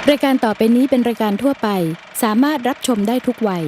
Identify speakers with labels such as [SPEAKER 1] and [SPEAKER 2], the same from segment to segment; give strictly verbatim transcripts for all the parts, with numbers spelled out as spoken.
[SPEAKER 1] รายการต่อไปนี้เป็นรายการทั่วไปสามารถรับชมได้ทุกวัย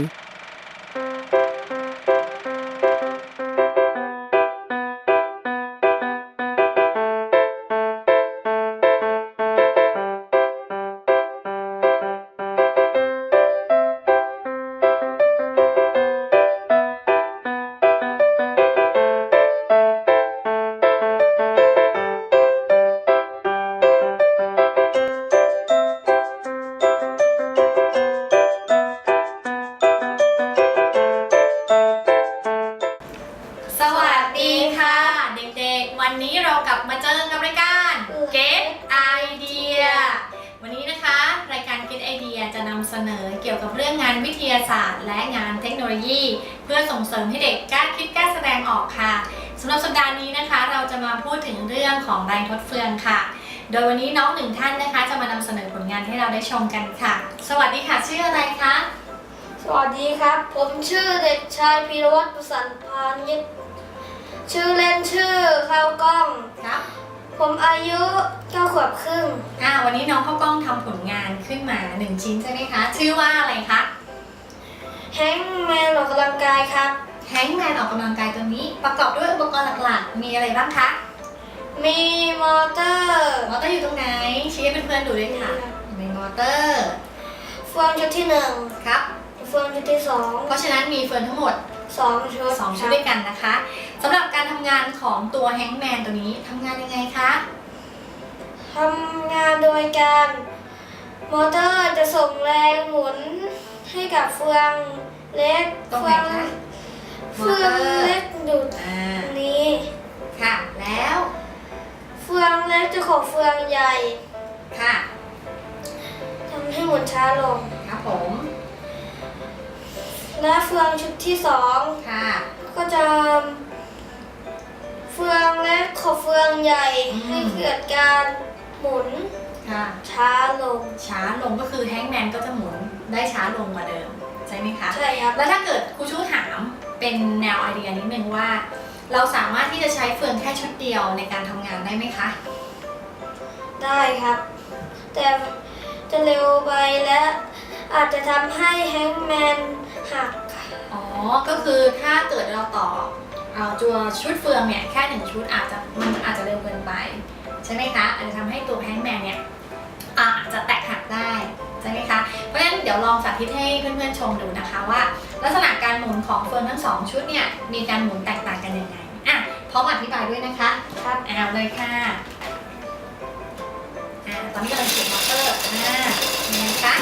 [SPEAKER 2] สวัสดีค่ะเด็กๆวันนี้เรากลับมาเจอกับรายการ Get Idea วันนี้นะคะรายการ Get Idea จะนำเสนอเกี่ยวกับเรื่องงานวิทยาศาสตร์และงานเทคโนโลยี เพื่อส่งเสริมให้เด็กกล้าคิดกล้าแสดงออกค่ะสำหรับสัปดาห์นี้นะคะเราจะมาพูดถึงเรื่องของแรงทดเฟืองค่ะโดยวันนี้น้องหนึ่งท่านนะคะจะมานำเสนอผลงานให้เราได้ชมกันค่ะสวัสดีค่ะชื่ออะไรคะ
[SPEAKER 3] สวัสดีครับผมชื่อเด็กชายพีรวัตรประสันพานิชชื่อเล่นชื่อข้าวกล้อง
[SPEAKER 2] ครับ
[SPEAKER 3] ผมอายุเก้าขวบครึ่ง
[SPEAKER 2] อ่าวันนี้น้องข้าวกล้องทำผลงานขึ้นมาหนึ่งชิ้นใช่ไหมคะชื่อว่าอะไรคะ
[SPEAKER 3] แฮงแมนออกกำลังกายครับ
[SPEAKER 2] แฮงแมนออกกำลังกายตัวนี้ประกอบด้วยอุปกรณ์หลักๆมีอะไรบ้างคะ
[SPEAKER 3] มีมอเตอร์
[SPEAKER 2] มอเตอร์อยู่ตรงไหนชี้ให้เพื่อนๆดูด้วยค่ะมีมอเตอร์
[SPEAKER 3] เฟืองชุดที่หนึ่ง
[SPEAKER 2] ครับ
[SPEAKER 3] เฟืองชุดที่สอง
[SPEAKER 2] เพราะฉะนั้นมีเฟืองทั้งหมด
[SPEAKER 3] สองชุด
[SPEAKER 2] สองชุดด้วยกันนะคะสำหรับการทำงานของตัวแฮงแมนตัวนี้ทำงานยังไงคะ
[SPEAKER 3] ทำงานโดยการมอเตอร์จะส่งแรงหมุนให้กับเฟืองเล็ก
[SPEAKER 2] ตรงไหนคะ
[SPEAKER 3] เฟืองเล็กดูดนี้
[SPEAKER 2] ค่ะแล้ว
[SPEAKER 3] เฟืองเล็กจะขอเฟืองใหญ่
[SPEAKER 2] ค่ะ
[SPEAKER 3] ทำให้หมุนช้าลง
[SPEAKER 2] ครับผม
[SPEAKER 3] และเฟืองชุดที่สอง
[SPEAKER 2] ค่ะ
[SPEAKER 3] ก็จะเฟืองเล็กขอเฟืองใหญ่ให้เกิดการหมุน
[SPEAKER 2] ค่ะ
[SPEAKER 3] ช้าลง
[SPEAKER 2] ช้าลงก็คือแฮงแมนก็จะหมุนได้ช้าลงกว่าเดิมใช่ไหมคะ
[SPEAKER 3] ใช่ครับ
[SPEAKER 2] แล้วถ้าเกิดครูชูถามเป็นแนวไอเดียนิดนึงว่าเราสามารถที่จะใช้เฟืองแค่ชุดเดียวในการทำงานได้ไหมคะ
[SPEAKER 3] ได้ครับแต่จะเร็วไปและอาจจะทำให้แฮงแมนหัก
[SPEAKER 2] อ๋อก็คือถ้าเกิดเราต่อเอาตัวชุดเฟืองเนี่ยแค่หนึ่งชุดอาจจะมันอาจจะเร็วเกินไปใช่ไหมคะอาจจะทำให้ตัวแฮงแมนเนี่ยอาจจะแตกหักได้ใช่ไหมคะเพราะฉะนั้นเดี๋ยวลองสาธิตให้เพื่อนๆชมดูนะคะว่าลักษณะการหมุนของเฟืองทั้งสองชุดเนี่ยมีการหมุนแตกต่างกันยังไงอ่ะพร้อมอธิบายด้วยนะคะ
[SPEAKER 3] ครับ
[SPEAKER 2] เอาเลยค่ะอ่าตอนนี้กำลังเสียบมอเตอร์อ่ายังไงคะ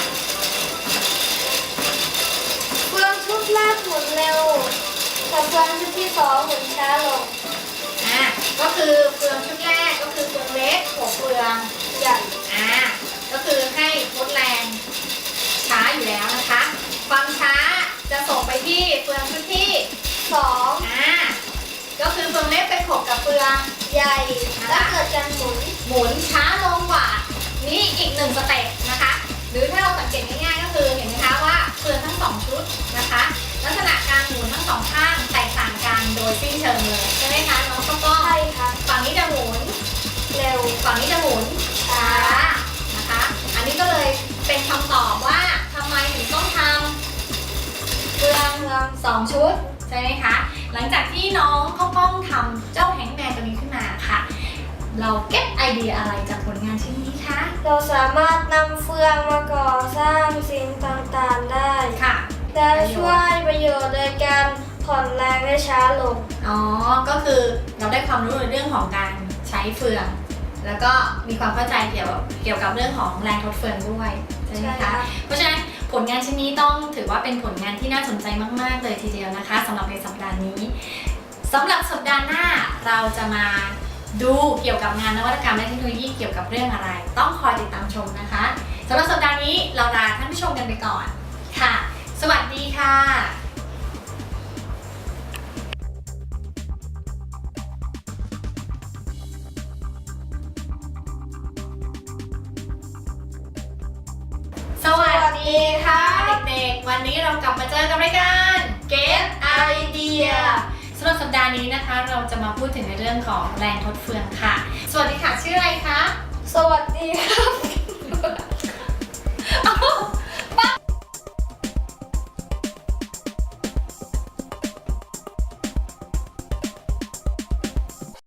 [SPEAKER 3] เฟืองชุดแรกหมุนเร็วแต่เฟืองชุดที่สองหมุนช้าลง
[SPEAKER 2] อ่าก็คือเฟืองชุดแรกก็คือเฟืองเล็กหัวเฟือง
[SPEAKER 3] ใหญ่
[SPEAKER 2] อ่าก็คือให้ลดแรงช้าอยู่แล้วนะคะความช้าจะส่งไปที่เฟืองชุดที่
[SPEAKER 3] สอง
[SPEAKER 2] อ่าก็คือเฟืองเล็กไปขบกับเฟือง
[SPEAKER 3] ใหญ่แล้วเกิดการหมุน
[SPEAKER 2] หมุนช้าลงกว่านี่อีกหนึ่งสเต็ปนะคะหรือถ้าเราสังเกตง่ายๆก็คือเห็นไหมคะว่าเฟืองทั้งสองชุดนะคะลักษณะการหมุนทั้งสองข้างแตกต่างกันโดยสิ้นเชิงเลยใช่ไหมคะน้องข้าวกล้อง
[SPEAKER 3] ใช่ค่ะ
[SPEAKER 2] ฝั่งนี้จะหมุน
[SPEAKER 3] เร็ว
[SPEAKER 2] ฝั่งนี้จะหมุนช้านะคะอันนี้ก็เลยเป็นคำตอบว่าทำไมถึงต้องทำเฟืองสองชุดใช่ไหมคะหลังจากที่น้องข้าวกล้องทำเจ้าแฮงแมนตัวนี้ขึ้นมาค่ะเราเก็บไอเดียอะไรจากผลงานชิ้นนี้คะ
[SPEAKER 3] เราสามารถนำเฟืองมาก่อสร้างสิ่งต่างๆได้
[SPEAKER 2] ค่ะ
[SPEAKER 3] และช่วยประโยชน์โดยการผ่อนแรงได้ช้าลง
[SPEAKER 2] อ๋อก็คือเราได้ความรู้ในเรื่องของการใช้เฟืองแล้วก็มีความเข้าใจเกี่ยวกับเกี่ยวกับเรื่องของแรงทดเฟืองด้วยใช่ไหมคะเพราะฉะนั้นผลงานชิ้นนี้ต้องถือว่าเป็นผลงานที่น่าสนใจมากๆเลยทีเดียวนะคะสำหรับในสัปดาห์นี้สำหรับสัปดาห์หน้าเราจะมาดูเกี่ยวกับงานนวัตกรรมและเทคโนโลยีเกี่ยวกับเรื่องอะไรต้องคอยติดตามชมนะคะสำหรับสัปดาห์นี้เราลาท่านผู้ชมกันไปก่อนค่ะสวัสดีค่ะสวัสดีค่ะเด็กๆวันนี้เรากลับมาเจอกับรายการ Get Idea สำหรับสัปดาห์นี้นะคะเราจะมาพูดถึงในเรื่องของแรงทดเฟืองค่ะสวัสดีค่ะชื่ออะไรคะ
[SPEAKER 3] สวัสดี